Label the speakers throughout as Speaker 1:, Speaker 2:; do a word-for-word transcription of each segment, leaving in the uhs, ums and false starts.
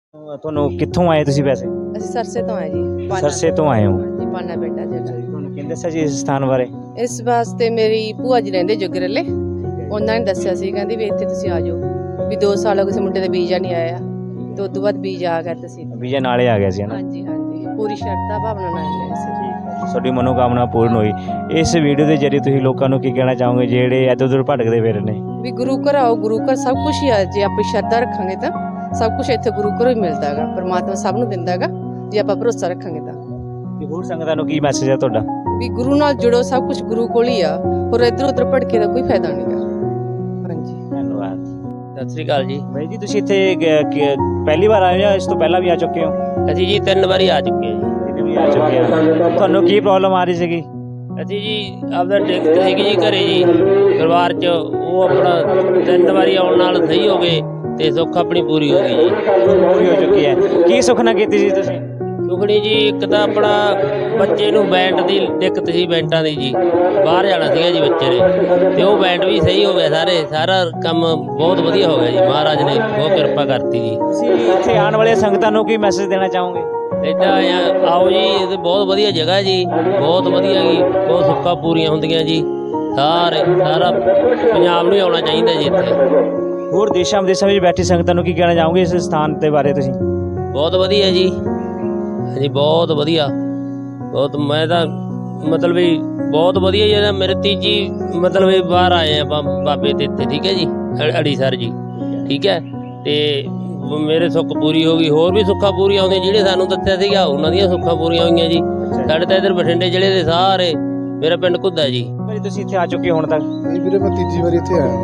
Speaker 1: ਤੁਹਾਨੂੰ ਕਿੱਥੋਂ ਆਏ ਤੁਸੀਂ ਵੈਸੇ?
Speaker 2: ਅਸੀਂ ਸਰਸੇ ਤੋਂ ਆਏ ਜੀ। ਪਾਨਾ
Speaker 1: ਸਰਸੇ ਤੋਂ ਆਏ ਹੋ?
Speaker 2: ਜੀ, ਪਾਨਾ ਪਿੰਡ ਆ ਜਿਹੜਾ।
Speaker 1: ਤੁਹਾਨੂੰ ਕਿਹਨੇ ਦੱਸਿਆ ਜੀ ਇਸ ਸਥਾਨ ਬਾਰੇ?
Speaker 2: ਇਸ ਵਾਸਤੇ ਮੇਰੀ ਭੂਆ ਜੀ ਰਹਿੰਦੇ ਜੁਗਰਲੇ, ਉਹਨਾਂ ਨੇ ਦੱਸਿਆ ਸੀ, ਕਹਿੰਦੀ ਵੀ ਇੱਥੇ ਤੁਸੀਂ ਆ ਜਾਓ ਵੀ ਦੋ ਸਾਲ ਹੋ ਗਏ ਸੀ ਮੁੰਡੇ ਦਾ ਵੀਜ਼ਾ ਨਹੀਂ ਆਇਆ ਤੇ ਉਸ ਤੋਂ ਬਾਅਦ ਵੀਜ਼ਾ ਆ ਗਿਆ ਤੁਸੀਂ।
Speaker 1: ਵੀਜ਼ਾ ਨਾਲੇ ਆ ਗਿਆ ਸੀ ਨਾ?
Speaker 2: ਹਾਂਜੀ ਹਾਂਜੀ, ਪੂਰੀ ਸ਼ਰਧਾ ਭਾਵਨਾ ਨਾਲ ਆਏ ਸੀ।
Speaker 1: ਤੁਹਾਡੀ ਮਨੋਕਾਮਨਾ ਪੂਰਨ ਹੋਈ। ਇਸ ਵੀਡੀਓ ਦੇ ਜ਼ਰੀਏ ਤੁਸੀਂ ਲੋਕਾਂ ਨੂੰ ਕੀ ਕਹਿਣਾ ਚਾਹੋਗੇ ਜਿਹੜੇ ਇੱਧਰ ਉੱਧਰ ਭਟਕਦੇ ਫਿਰ ਨੇ?
Speaker 2: ਵੀ ਗੁਰੂ ਘਰ ਆਓ, ਗੁਰੂ ਘਰ ਸਭ ਕੁਝ ਹੀ ਆ। ਜੇ ਆਪਣੀ ਸ਼ਰਧਾ ਰੱਖਾਂਗੇ ਤਾਂ ਸਭ ਕੁਝ ਇੱਥੇ ਗੁਰੂ ਘਰੋਂ ਹੀ ਮਿਲਦਾ ਹੈਗਾ। ਪਰਮਾਤਮਾ ਸਭ ਨੂੰ ਦਿੰਦਾ ਹੈਗਾ ਜੇ ਆਪਾਂ ਭਰੋਸਾ ਰੱਖਾਂਗੇ ਤਾਂ।
Speaker 1: ਤੇ ਹੋਰ ਸੰਗਤਾਂ ਨੂੰ ਕੀ ਮੈਸੇਜ ਹੈ ਤੁਹਾਡਾ?
Speaker 2: ਵੀ ਗੁਰੂ ਨਾਲ ਜੁੜੋ, ਸਭ ਕੁਝ ਗੁਰੂ ਕੋਲ ਹੀ ਆ, ਹੋਰ ਇੱਧਰ ਉੱਧਰ ਭਟਕੇ ਦਾ ਕੋਈ ਫਾਇਦਾ ਨਹੀਂਗਾ। ਹਾਂਜੀ,
Speaker 1: ਧੰਨਵਾਦ।
Speaker 3: ਸਤਿ ਸ੍ਰੀ ਅਕਾਲ ਜੀ।
Speaker 1: ਬਾਈ ਜੀ ਤੁਸੀਂ ਇੱਥੇ ਗ- ਗ- ਪਹਿਲੀ ਵਾਰ ਆਏ ਹੋ ਜਾਂ ਇਸ ਤੋਂ ਪਹਿਲਾਂ ਵੀ ਆ ਚੁੱਕੇ ਹੋ?
Speaker 3: ਅਸੀਂ ਜੀ ਤਿੰਨ ਵਾਰੀ ਆ ਚੁੱਕੇ ਹਾਂ ਜੀ।
Speaker 1: ਤਿੰਨ ਵੀ ਆ ਚੁੱਕੇ ਹੋ। ਤੁਹਾਨੂੰ ਕੀ ਪ੍ਰੋਬਲਮ ਆ ਰਹੀ ਸੀਗੀ?
Speaker 3: ਅਸੀਂ ਜੀ ਆਪਦਾ ਟਿਕਟ ਸੀਗੀ ਜੀ ਘਰੇ ਜੀ ਪਰਿਵਾਰ 'ਚ, ਉਹ ਆਪਣਾ ਤਿੰਨ ਵਾਰੀ ਆਉਣ ਨਾਲ ਸਹੀ ਹੋ ਗਏ ਤੇ ਸੁੱਖ ਆਪਣੀ ਪੂਰੀ ਹੋ ਗਈ ਜੀ।
Speaker 1: ਪੂਰੀ ਹੋ ਚੁੱਕੀ ਹੈ। ਕੀ ਸੁਖਨਾ ਕੀਤੀ ਸੀ ਤੁਸੀਂ?
Speaker 3: ਸੁਖਣੀ ਜੀ ਇੱਕ ਤਾਂ ਆਪਣਾ ਬੱਚੇ ਨੂੰ ਬੈਂਡ ਦੀ ਦਿੱਕਤ ਸੀ, ਬੈਂਟਾਂ ਦੀ ਜੀ, ਬਾਹਰ ਜਾਣਾ ਸੀਗਾ ਜੀ ਬੱਚੇ ਨੇ, ਤੇ ਉਹ ਬੈਂਡ ਵੀ ਸਹੀ ਹੋ ਗਿਆ। ਸਾਰੇ ਸਾਰਾ ਕੰਮ ਬਹੁਤ ਵਧੀਆ ਹੋ ਗਿਆ ਜੀ, ਮਹਾਰਾਜ ਨੇ ਬਹੁਤ ਕਿਰਪਾ ਕਰਤੀ ਜੀ।
Speaker 1: ਤੁਸੀਂ ਇੱਥੇ ਆਉਣ ਵਾਲੇ ਸੰਗਤਾਂ ਨੂੰ ਕੀ ਮੈਸੇਜ ਦੇਣਾ ਚਾਹੋਗੇ?
Speaker 3: ਇੱਦਾਂ ਆਓ ਜੀ, ਇਹ ਤਾਂ ਬਹੁਤ ਵਧੀਆ ਜਗ੍ਹਾ ਜੀ, ਬਹੁਤ ਵਧੀਆ ਜੀ, ਬਹੁਤ ਸੁੱਖਾਂ ਪੂਰੀਆਂ ਹੁੰਦੀਆਂ ਜੀ। ਸਾਰੇ ਸਾਰਾ ਪੰਜਾਬ ਨੂੰ ਹੀ ਆਉਣਾ ਚਾਹੀਦਾ ਜੀ ਇੱਥੇ।
Speaker 1: ਹੋਰ ਦੇਸ਼ਾਂ ਵਿਦੇਸ਼ਾਂ ਵਿੱਚ ਬੈਠੀ ਸੰਗਤਾਂ ਨੂੰ ਕੀ ਕਹਿਣਾ ਚਾਹੋਗੇ ਇਸ ਸਥਾਨ ਦੇ ਬਾਰੇ ਤੁਸੀਂ?
Speaker 3: ਬਹੁਤ ਵਧੀਆ ਜੀ, ਹਾਂਜੀ ਬਹੁਤ ਵਧੀਆ, ਬਹੁਤ। ਮੈਂ ਤਾਂ ਮਤਲਬ ਵੀ ਬਹੁਤ ਵਧੀਆ ਜੀ। ਇਹਦਾ ਮੇਰੇ ਤੀਜੀ ਮਤਲਬ ਵੀ ਬਾਹਰ ਆਏ ਆਪਾਂ ਬਾਬੇ ਦੇ ਇੱਥੇ, ਠੀਕ ਹੈ ਜੀ, ਅ- ਅੜੀਸਰ ਜੀ, ਠੀਕ ਹੈ। ਤੇ ਮੇਰੇ ਸੁੱਖ ਪੂਰੀ ਹੋ ਗਈ, ਹੋਰ ਵੀ ਸੁੱਖਾਂ ਪੂਰੀਆਂ ਹੁੰਦੀਆਂ ਜਿਹੜੇ ਸਾਨੂੰ ਦੱਸਿਆ ਸੀਗਾ ਉਹਨਾਂ ਦੀਆਂ ਸੁੱਖਾਂ ਪੂਰੀਆਂ ਹੋਈਆਂ ਜੀ। ਸਾਡੇ ਤਾਂ ਇੱਧਰ ਬਠਿੰਡੇ ਜ਼ਿਲ੍ਹੇ ਦੇ ਸਾਰੇ, ਮੇਰਾ ਪਿੰਡ ਘੁੱਦਾ ਜੀ।
Speaker 1: ਭਾਈ ਤੁਸੀਂ ਇੱਥੇ ਆ ਚੁੱਕੇ ਹੁਣ ਤੱਕ?
Speaker 4: ਨਹੀਂ ਵੀਰੇ, ਮੈਂ ਤੀਜੀ ਵਾਰੀ ਇੱਥੇ ਆਇਆ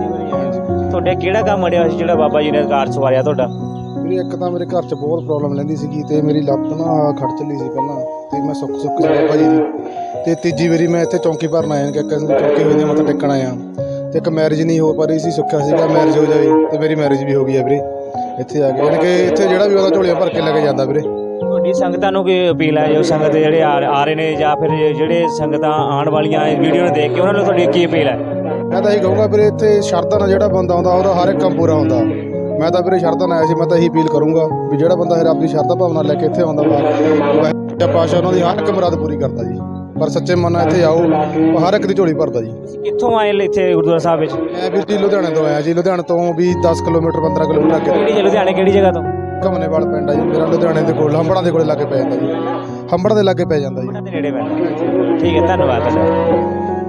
Speaker 4: ਹਾਂ।
Speaker 1: ਤੁਹਾਡੇ ਕਿਹੜਾ ਕੰਮ ਅੜਿਆ ਹੋਇਆ ਸੀ ਜਿਹੜਾ ਬਾਬਾ ਜੀ ਨੇ ਕਾਰ ਸਵਾਰਿਆ ਤੁਹਾਡਾ?
Speaker 4: ਵੀਰੇ ਇੱਕ ਤਾਂ ਮੇਰੇ ਘਰ 'ਚ ਬਹੁਤ ਪ੍ਰੋਬਲਮ ਲੈਂਦੀ ਸੀਗੀ ਤੇ ਮੇਰੀ ਲੱਤ ਨਾ ਖੜ ਚੱਲੀ ਸੀ ਪਹਿਲਾਂ, ਤੇ ਮੈਂ ਸੁੱਖ ਸੁੱਖ ਸੀ ਬਾਬਾ ਜੀ ਦੀ। ਤੇ ਤੀਜੀ ਵਾਰੀ ਮੈਂ ਇੱਥੇ ਚੌਂਕੀ ਭਰਨ ਆਇਆ ਕਿ ਚੌਂਕੀ ਹੋਈ ਦੀ ਮੱਥਾ ਟੇਕਣ ਆਇਆ, ਤੇ ਇੱਕ ਮੈਰਿਜ ਨਹੀਂ ਹੋ ਪਾ ਰਹੀ ਸੀ, ਸੁੱਖਿਆ ਸੀਗਾ ਮੈਰਿਜ ਹੋ ਜਾਵੇ, ਤੇ ਮੇਰੀ ਮੈਰਿਜ ਵੀ ਹੋ ਗਈ ਹੈ ਵੀਰੇ ਇੱਥੇ ਆ ਕੇ। ਯਾਨੀ ਕਿ ਇੱਥੇ ਜਿਹੜਾ ਵੀ ਉਹਦਾ ਝੋਲੀਆਂ ਭਰ ਕੇ ਲੈ ਕੇ ਜਾਂਦਾ ਵੀਰੇ।
Speaker 1: ਤੁਹਾਡੀ ਸੰਗਤਾਂ ਨੂੰ ਕੀ ਅਪੀਲ ਹੈ, ਜੋ ਸੰਗਤ ਜਿਹੜੇ ਆ ਆ ਰਹੇ ਨੇ ਜਾਂ ਫਿਰ ਜਿਹੜੇ ਸੰਗਤਾਂ ਆਉਣ ਵਾਲੀਆਂ ਵੀਡੀਓ ਨੂੰ ਦੇਖ ਕੇ ਉਹਨਾਂ ਨੂੰ ਤੁਹਾਡੀ ਕੀ ਅਪੀਲ ਹੈ?
Speaker 4: ਮੈਂ ਤਾਂ ਇਹੀ ਕਹੂੰਗਾ ਵੀਰੇ, ਇੱਥੇ ਸ਼ਰਧਾ ਨਾਲ ਜਿਹੜਾ ਬੰਦਾ ਆਉਂਦਾ ਉਹਦਾ ਹਰ ਇੱਕ ਕੰਮ ਪੂਰਾ ਹੁੰਦਾ। ਮੈਂ ਤਾਂ ਵੀਰੇ ਸ਼ਰਧਾ ਨਾਲ ਆਇਆ ਸੀ, ਮੈਂ ਤਾਂ ਇਹੀ ਅਪੀਲ ਕਰੂੰਗਾ ਵੀ ਜਿਹੜਾ ਬੰਦਾ ਫਿਰ ਆਪਣੀ ਸ਼ਰਧਾ ਭਾਵਨਾ ਲੈ ਕੇ ਇੱਥੇ ਆਉਂਦਾ ਵਾ, ਪਾਸ਼ਾ ਉਹਨਾਂ ਦੀ ਹਰ ਇੱਕ ਮੁਰਾਦ ਪੂਰੀ ਕਰਦਾ ਜੀ। ਪਰ ਸੱਚੇ ਮਨ ਨਾਲ ਇੱਥੇ ਆਓ, ਉਹ ਹਰ ਇੱਕ ਦੀ ਝੋਲੀ ਭਰਦਾ ਜੀ।
Speaker 1: ਤੁਸੀਂ ਕਿੱਥੋਂ ਆਏ ਇੱਥੇ ਗੁਰਦੁਆਰਾ ਸਾਹਿਬ ਵਿੱਚ?
Speaker 4: ਮੈਂ ਵੀਰ ਜੀ ਲੁਧਿਆਣੇ ਤੋਂ ਆਇਆ ਜੀ। ਲੁਧਿਆਣੇ ਤੋਂ ਵੀ ਦਸ ਕਿਲੋਮੀਟਰ ਪੰਦਰਾਂ ਕਿਲੋਮੀਟਰ ਅੱਗੇ
Speaker 1: ਕਿਹੜੀ ਜੀ ਲੁਧਿਆਣੇ ਕਿਹੜੀ ਜਗ੍ਹਾ ਤੋਂ?
Speaker 4: ਘਮਨੇਵਾਲ ਪਿੰਡ ਆ ਜੀ ਮੇਰਾ, ਲੁਧਿਆਣੇ ਦੇ ਕੋਲ ਹੰਬੜਾਂ ਦੇ ਕੋਲੇ ਲਾਗੇ ਪੈ ਜਾਂਦਾ ਜੀ। ਹੰਬੜ ਦੇ ਲਾਗੇ ਪੈ ਜਾਂਦਾ ਜੀ।
Speaker 1: ਉਹਨਾਂ ਦੇ ਨੇੜੇ ਪੈਂਦਾ। ਠੀਕ ਹੈ, ਧੰਨਵਾਦ ਤੁਹਾਡਾ।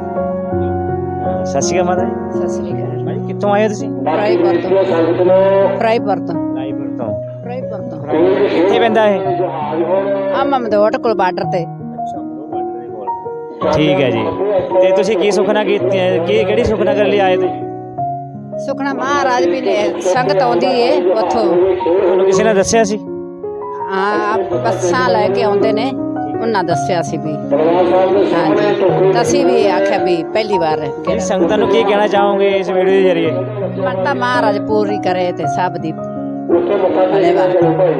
Speaker 1: ਸਤਿ ਸ਼੍ਰੀ ਅਕਾਲ ਮਾਤਾ ਜੀ।
Speaker 2: ਸਤਿ ਸ੍ਰੀ ਅਕਾਲ।
Speaker 1: ਭਾਈ ਕਿੱਥੋਂ ਆਏ ਹੋ ਤੁਸੀਂ?
Speaker 2: ਫਰਾਈਪੁਰ ਤੋਂ। ਫਰਾਈਪੁਰ ਤੋਂ।
Speaker 1: ਲਾਈਪੁਰ ਤੋਂ।
Speaker 2: ਫਰਾਈਪੁਰ ਤੋਂ।
Speaker 1: ਕਿੱਥੇ ਪੈਂਦਾ ਇਹ?
Speaker 2: ਆ ਮਮਦੋਟ ਕੋਲ ਬਾਰਡਰ ਤੇ।
Speaker 1: ਠੀਕ ਹੈ ਜੀ। ਤੇ ਤੁਸੀਂ ਕੀ ਸੁਖਨਾ ਕੀਤੀ ਹੈ? ਕੀ ਕਿਹੜੀ ਸੁਖਨਾ ਕਰਨ ਲਈ ਆਏ ਤੁਸੀਂ?
Speaker 2: ਸੁਖਣਾ ਮਹਾਰਾਜ ਵੀ ਨੇ ਸੰਗਤ ਆਉਂਦੀ ਏ ਉੱਥੋਂ।
Speaker 1: ਤੁਹਾਨੂੰ ਕਿਸੇ ਨੇ ਦੱਸਿਆ ਸੀ?
Speaker 2: ਹਾਂ, ਬੱਸਾਂ ਲੈ ਕੇ ਆਉਂਦੇ ਨੇ, ਉਹਨਾਂ ਦੱਸਿਆ ਸੀ ਵੀ। ਹਾਂਜੀ, ਤਾਂ ਅਸੀਂ ਵੀ ਆਖਿਆ ਵੀ ਪਹਿਲੀ ਵਾਰ
Speaker 1: ਕਿਹੜੀ ਸੰਗਤਾਂ ਨੂੰ ਕੀ ਕਹਿਣਾ ਚਾਹੋਗੇ ਇਸ ਵੀਡੀਓ ਦੇ ਜ਼ਰੀਏ?
Speaker 2: ਮਨ ਤਾਂ ਮਹਾਰਾਜ ਪੂਰੀ ਕਰੇ ਤੇ ਸਭ ਦੀ ਭਲੇ ਵਾਰ।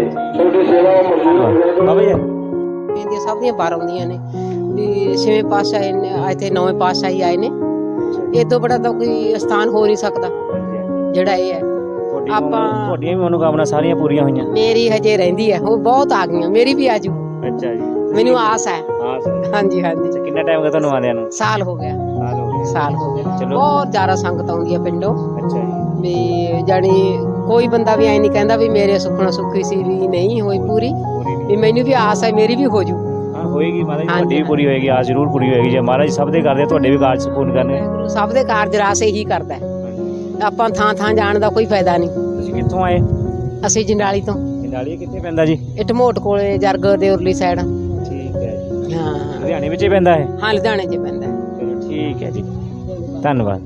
Speaker 1: ਬਾਬਾ ਜੀ
Speaker 5: ਇਹਦੀਆਂ ਸਭ ਦੀਆਂ ਬਾਰ ਆਉਂਦੀਆਂ ਨੇ ਵੀ ਛੇਵੇਂ ਪਾਤਸ਼ਾਹ ਨੇ ਇੱਥੇ, ਨੌਵੇਂ ਪਾਤਸ਼ਾਹ ਹੀ ਆਏ ਨੇ। ਇਹ ਤੋਂ ਬੜਾ ਤਾਂ ਕੋਈ ਸਥਾਨ ਹੋ ਨਹੀਂ ਸਕਦਾ ਜਿਹੜਾ ਇਹ ਹੈ। ਆਪਾਂ
Speaker 1: ਤੁਹਾਡੀਆਂ ਵੀ ਮਨੋਕਾਮਨਾ ਸਾਰੀਆਂ ਪੂਰੀਆਂ ਹੋਈਆਂ?
Speaker 5: ਮੇਰੀ ਹਜੇ ਰਹਿੰਦੀ ਹੈ, ਉਹ ਬਹੁਤ ਆ ਗਈਆਂ, ਮੇਰੀ ਵੀ ਆਜੂ।
Speaker 1: ਅੱਛਾ ਜੀ,
Speaker 5: ਮੈਨੂੰ ਆਸ ਹੈ।
Speaker 1: ਆਸ ਹੈ।
Speaker 5: ਹਾਂਜੀ ਹਾਂਜੀ।
Speaker 1: ਕਿੰਨਾ ਟਾਈਮ ਹੋ ਗਿਆ ਤੁਹਾਨੂੰ ਆਉਂਦਿਆਂ ਨੂੰ?
Speaker 5: ਸਾਲ ਹੋ ਗਿਆ।
Speaker 1: ਸਾਲ ਹੋ ਗਿਆ।
Speaker 5: ਸਾਲ ਹੋ ਗਿਆ।
Speaker 1: ਚਲੋ।
Speaker 5: ਬਹੁਤ ਜ਼ਿਆਦਾ ਸੰਗਤ ਆਉਂਦੀ ਹੈ ਪਿੰਡੋਂ।
Speaker 1: ਅੱਛਾ ਜੀ।
Speaker 5: ਵੀ ਜਾਣੀ ਕੋਈ ਬੰਦਾ ਵੀ ਐ ਨਹੀਂ ਕਹਿੰਦਾ ਵੀ ਮੇਰੇ ਸੁੱਖਣਾ ਸੁੱਖੀ ਸੀ ਵੀ ਨਹੀਂ ਹੋਈ ਪੂਰੀ, ਵੀ ਮੈਨੂੰ ਵੀ ਆਸ ਹੈ ਮੇਰੀ ਵੀ ਹੋ ਜੂ।
Speaker 1: ਹਾਂ ਹੋਏਗੀ ਮਾਤਾ ਜੀ, ਤੁਹਾਡੀ ਵੀ ਪੂਰੀ ਹੋਏਗੀ, ਆਸ ਜ਼ਰੂਰ ਪੂਰੀ ਹੋਏਗੀ। ਜੇ ਮਹਾਰਾਜ ਸਭ ਦੇ ਕਰਦੇ ਤੁਹਾਡੇ ਵੀ ਕਾਰਜ ਪੂਰਨ ਕਰਨਗੇ।
Speaker 5: ਗੁਰੂ ਸਭ ਦੇ ਕਾਰਜ ਰਾਸ ਇਹੀ ਕਰਦਾ ਹੈ। ਆਪਾਂ ਥਾਂ ਥਾਂ ਜਾਣ ਦਾ ਕੋਈ ਫਾਇਦਾ ਨਹੀਂ।
Speaker 1: ਤੁਸੀਂ ਕਿੱਥੋਂ ਆਏ?
Speaker 5: ਅਸੀਂ ਜੰਡਾਲੀ ਤੋਂ।
Speaker 1: ਜੰਡਾਲੀ ਕਿੱਥੇ ਪੈਂਦਾ ਜੀ?
Speaker 5: ਇਹ ਢਮੋਟ ਕੋਲੇ ਜਰਗ ਦੇ ਉਰਲੀ ਸਾਈਡ।
Speaker 1: ਠੀਕ ਹੈ ਜੀ।
Speaker 5: ਹਾਂ
Speaker 1: ਲੁਧਿਆਣੇ ਵਿੱਚ ਹੀ ਪੈਂਦਾ ਹੈ?
Speaker 5: ਹਾਂ, ਲੁਧਿਆਣੇ 'ਚ ਪੈਂਦਾ ਹੈ।
Speaker 1: ਚਲੋ ਠੀਕ ਹੈ ਜੀ, ਧੰਨਵਾਦ।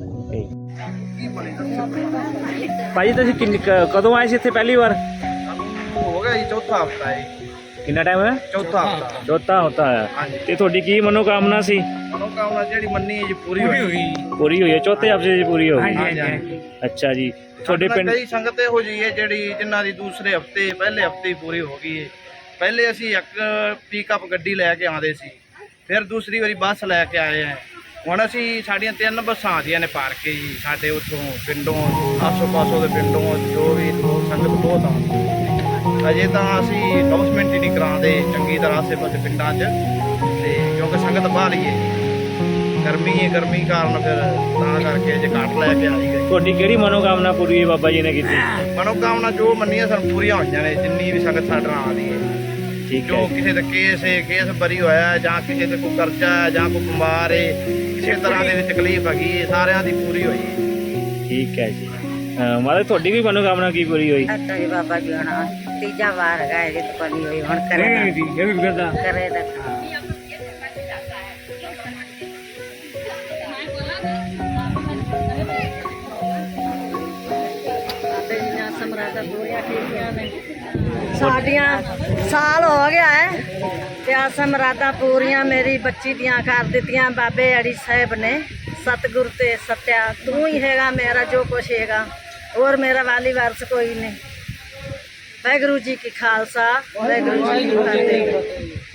Speaker 1: ਭਾਜੀ ਤੁਸੀਂ ਕਿੰਨੀ ਕ- ਕਦੋਂ ਆਏ ਸੀ ਇੱਥੇ ਪਹਿਲੀ ਵਾਰ?
Speaker 6: ਹੋ ਗਿਆ ਜੀ ਚੌਥਾ ਹਫਤਾ ਹੈ।
Speaker 1: ਕਿੰਨਾ ਟਾਈਮ ਹੋਇਆ?
Speaker 6: ਚੌਥਾ ਹਫਤਾ।
Speaker 1: ਚੌਥਾ ਹੁੰਦਾ ਹੈ। ਤੇ ਤੁਹਾਡੀ ਕੀ ਮਨੋਕਾਮਨਾ ਸੀ?
Speaker 6: ਮਨੋਕਾਮਨਾ ਜਿਹੜੀ ਮੰਨੀ ਹੈ ਜੀ ਪੂਰੀ ਹੋਈ।
Speaker 1: ਪੂਰੀ ਹੋਈ ਹੈ? ਚੌਥੇ ਹਫਤੇ ਦੀ ਪੂਰੀ ਹੋ ਗਈ?
Speaker 6: ਹਾਂਜੀ ਹਾਂਜੀ।
Speaker 1: ਅੱਛਾ ਜੀ। ਤੁਹਾਡੇ ਪਿੰਡ
Speaker 6: ਕਈ ਸੰਗਤ ਇਹੋ ਜਿਹੀ ਹੈ ਜਿਹੜੀ ਜਿਨ੍ਹਾਂ ਦੀ ਦੂਸਰੇ ਹਫਤੇ ਪਹਿਲੇ ਹਫਤੇ ਹੀ ਪੂਰੀ ਹੋ ਗਈ ਹੈ। ਪਹਿਲੇ ਅਸੀਂ ਇੱਕ ਪਿਕਅਪ ਗੱਡੀ ਲੈ ਕੇ ਆਉਂਦੇ ਸੀ, ਫਿਰ ਦੂਸਰੀ ਵਾਰੀ ਬੱਸ ਲੈ ਕੇ ਆਏ ਆ। ਹੁਣ ਅਸੀਂ ਸਾਡੀਆਂ ਤਿੰਨ ਬੱਸਾਂ ਆਉਂਦੀਆਂ ਨੇ ਭਰ ਕੇ ਜੀ, ਸਾਡੇ ਉੱਥੋਂ ਪਿੰਡੋਂ, ਆਸੋ ਪਾਸੋਂ ਦੇ ਪਿੰਡੋਂ, ਜੋ ਵੀ ਸੰਗਤ ਬਹੁਤ ਆਉਂਦੀ। ਅਜੇ ਤਾਂ ਅਸੀਂ ਅਨਾਉਂਸਮੈਂਟ ਹੀ ਨਹੀਂ ਕਰਾਉਂਦੇ ਚੰਗੀ ਤਰ੍ਹਾਂ ਆਸੇ ਪਾਸੇ ਪਿੰਡਾਂ 'ਚ, ਤੇ ਕਿਉਂਕਿ ਸੰਗਤ ਬਾਹਲੀ ਹੈ, ਗਰਮੀ ਹੈ, ਗਰਮੀ ਕਾਰਨ ਫਿਰ ਤਾਂ ਕਰਕੇ ਜੇ ਘੱਟ ਲੈ ਕੇ ਆਈ ਗਈ।
Speaker 1: ਤੁਹਾਡੀ ਕਿਹੜੀ ਮਨੋਕਾਮਨਾ ਪੂਰੀ ਹੈ ਬਾਬਾ ਜੀ ਨੇ ਕੀਤੀ?
Speaker 6: ਮਨੋਕਾਮਨਾ ਜੋ ਮੰਨੀਆਂ ਸਨ ਪੂਰੀਆਂ ਹੋਈਆਂ ਨੇ, ਜਿੰਨੀ ਵੀ ਸੰਗਤ ਸਾਡੇ ਨਾਲ ਆਉਂਦੀ ਹੈ।
Speaker 1: ਠੀਕ
Speaker 6: ਜੋ
Speaker 1: ਹੈ
Speaker 6: ਕਿਸੇ ਦਾ ਕੇਸ ਹੈ, ਕੇਸ ਬਰੀ ਹੋਇਆ, ਜਾਂ ਕਿਸੇ ਤੇ ਕੋਈ ਕਰਜ਼ਾ ਹੈ, ਜਾਂ ਕੋਈ ਬਿਮਾਰ ਹੈ, ਕਿਸੇ ਤਰ੍ਹਾਂ ਦੇ ਵਿੱਚ ਤਕਲੀਫ ਹੈਗੀ ਹੈ, ਸਾਰਿਆਂ ਦੀ ਪੂਰੀ ਹੋਈ ਹੈ।
Speaker 1: ਠੀਕ ਹੈ ਜੀ। ਹਾਂ ਮਾਤਾ ਤੁਹਾਡੀ ਵੀ ਮਨੋਕਾਮਨਾ ਕੀ ਪੂਰੀ ਹੋਈ?
Speaker 7: ਅੱਛਾ ਜੀ ਬਾਬਾ ਜੀ ਹੁਣ ਤੀਜਾ ਵਾਰ ਹੈਗਾ ਇਹ ਜਿੱਤ ਬਣੀ ਹੋਈ ਹੁਣ ਕਰੇ
Speaker 1: ਇਹ ਵੀ ਇਹ ਵੀ ਕਰਦਾ
Speaker 7: ਕਰੇ ਦਾ ਸਾਡੀਆਂ ਸਾਲ ਹੋ ਗਿਆ ਹੈ ਤੇ ਆਸਾਂ ਮਰਾਦਾਂ ਪੂਰੀਆਂ ਮੇਰੀ ਬੱਚੀ ਦੀਆਂ ਕਰ ਦਿੱਤੀਆਂ ਬਾਬੇ ਅੜੀ ਸਾਹਿਬ ਨੇ। ਸਤਿਗੁਰ ਤੇ ਸੱਤਿਆ ਤੂੰ ਹੀ ਹੈਗਾ ਮੇਰਾ ਜੋ ਕੁਛ ਹੈਗਾ, ਹੋਰ ਮੇਰਾ ਵਾਲੀ ਵਾਰਸ ਕੋਈ ਨਹੀਂ। ਵਾਹਿਗੁਰੂ ਜੀ ਕੀ ਖਾਲਸਾ, ਵਾਹਿਗੁਰੂ ਜੀ ਕੀ ਫਤਿਹ।